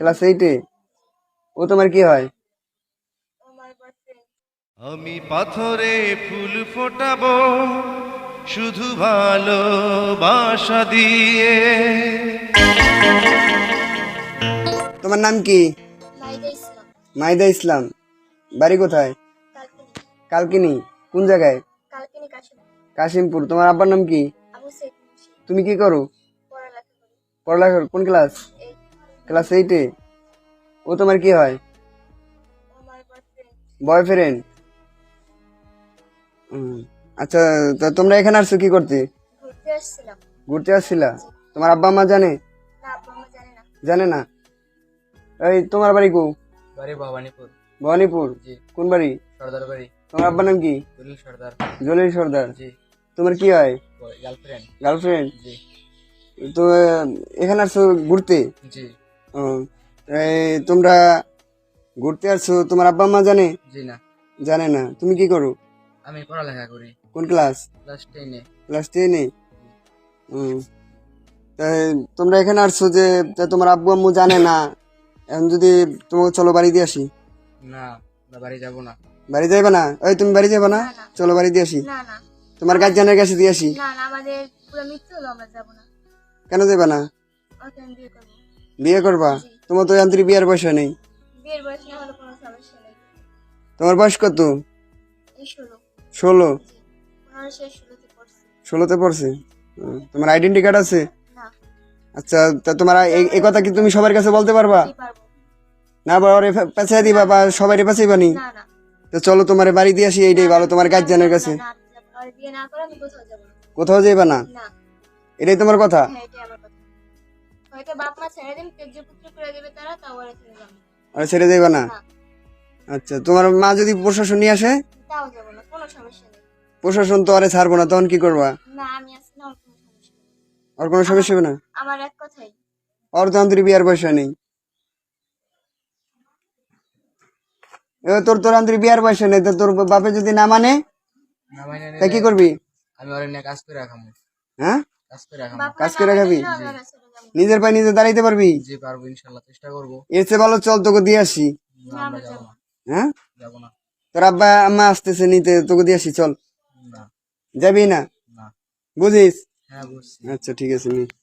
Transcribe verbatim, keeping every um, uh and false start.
Class এইটে। ও তোমার কি হয়? আমি পাথরে ফুল ফোটাবো শুধু ভালোবাসা দিয়ে। তোমার নাম কি? মাইদা ইসলাম। মাইদা ইসলাম। বাড়ি কোথায়? কালকিনি। কালকিনি। কোন জায়গায়? কালকিনি কাশিমপুর। কাশিমপুর। তোমার আব্বার নাম কি? আবু সাইদ মুন্সি। তুমি কি করো? পড়ালেখা করি। পড়ালেখা করো? কোন ক্লাস? এই ক্লাস এইটে। ও তোমার কি হয়? আমার বয়ফ্রেন্ড। বয়ফ্রেন্ড। আচ্ছা, তা তোমরা এখানে আসছো কি করতে? ঘুরতে আসছিলাম। ঘুরতে আসছিলা? তোমার আব্বা আম্মা জানে? না, আব্বা আম্মা জানে না। জানে না? এই তোমার বাড়ি কো? বাড়ি ভবানীপুর। ভবানীপুর। জি। কোন বাড়ি? সর্দার বাড়ি। তোমার আব্বার নাম কি? জলিল সর্দার। জলিল সর্দার। জি। তোমার কি হয়? গার্লফ্রেন্ড। গার্লফ্রেন্ড। জি। তো আহ, এখানে আসছো ঘুরতে? জি। ও, এই তোমরা ঘুরতে আসছো, তোমার আব্বা আম্মা জানে? জি না, জানে না। তুমি কি করো? আমি পড়ালেখা করি কোন ক্লাস? ক্লাস টেনে। ক্লাস টেনে। তাই তোমরা এখানে আসছো যে, তা তোমার আব্বু আম্মু জানে না, এখন যদি তোমাকে চলো বাড়ি দিয়ে আসি। না, আমরা বাড়ি যাব না। বাড়ি যাইবে না? ওই তুমি বাড়ি যাবে না? না, না। চলো বাড়ি দিয়ে আসি। না না তোমার গার্জিয়ানের কাছে দিয়ে আসি। না না আমাদের পুরো মিথ্যে হলো, আমরা যাবো না। কেন যাবে না? ওকে আমি বিয়ে করবো। বিয়ে করবা? জি। তোমার তো যান্ত্রিক বিয়ের বয়স নেই। বিয়ের বয়স না হলে কোনো সমস্যা নেই। তোমার বয়স কত? এই ষোলো। ষোলো। জি। পনেরো শেষ ষোলোতে পড়ছি। ষোলোতে পড়ছে। হুম, তোমার আইডেন্টি কার্ড আছে? না। আচ্ছা, তা তোমার এই এই কথা কি তুমি সবার কাছে বলতে পারবা? জি পারবো। না বা ওরে পেঁচাই দিবা বা সবাই পেঁচাইবা নি? না না। তো চলো তোমার বাড়ি দিয়ে আসি, এইটাই ভালো তোমার গার্জিয়ানের কাছে। না, না, আর বিয়ে না করে আমি কোথাও যাবো না। কোথাও যাইবা না? না। এটাই তোমার কথা? হ্যাঁ, এটাই আমার কথা। হয়তো বাপ মা ছেড়ে দিন, তেজ্য পুত্র করে দেবে তারা, তাও আর ছেড়ে যাবো না। আর ছেড়ে যাইবা না? না। আচ্ছা, তোমার মা যদি প্রশাসন নিয়ে আসে? তাও যাবো না, কোনো সমস্যা নেই। প্রশাসন তো আরে ছাড়বো না, তখন কি করবা? না, আমি আছি না, ওর কোনো সমস্যা নেই। আর কোনো সমস্যা হবে না? আমার এক কথাই। আর তো আন্তরিক বিয়ার বয়স নেই। এবার তোর তোর আন্তরিক বিয়ার বয়স নেই, তো তোর বাপে যদি না মানে, না মানে তা কি করবি? আমি ওর নিয়ে কাজ করে রাখাবো। হ্যাঁ, কাজ করে রাখাবো। বাপ মা কাজ না করে মানে খাবি? দিলেও আমি ওরা ছেড়ে যাবো না। নিজের পায়ে নিজে দাঁড়াইতে পারবি? জি পারবো, ইনশাল্লাহ চেষ্টা করবো। এর চেয়ে ভালো চল তোকে দিয়ে আসি। না, আমরা যাবো না। হ্যাঁ, যাবো না। তোর আব্বা আম্মা আসতেছে নিতে, তোকে দিয়ে আসি, চল। না। যাবি না? না। বুঝিস? হ্যাঁ বুঝছি। আচ্ছা ঠিক আছে নি।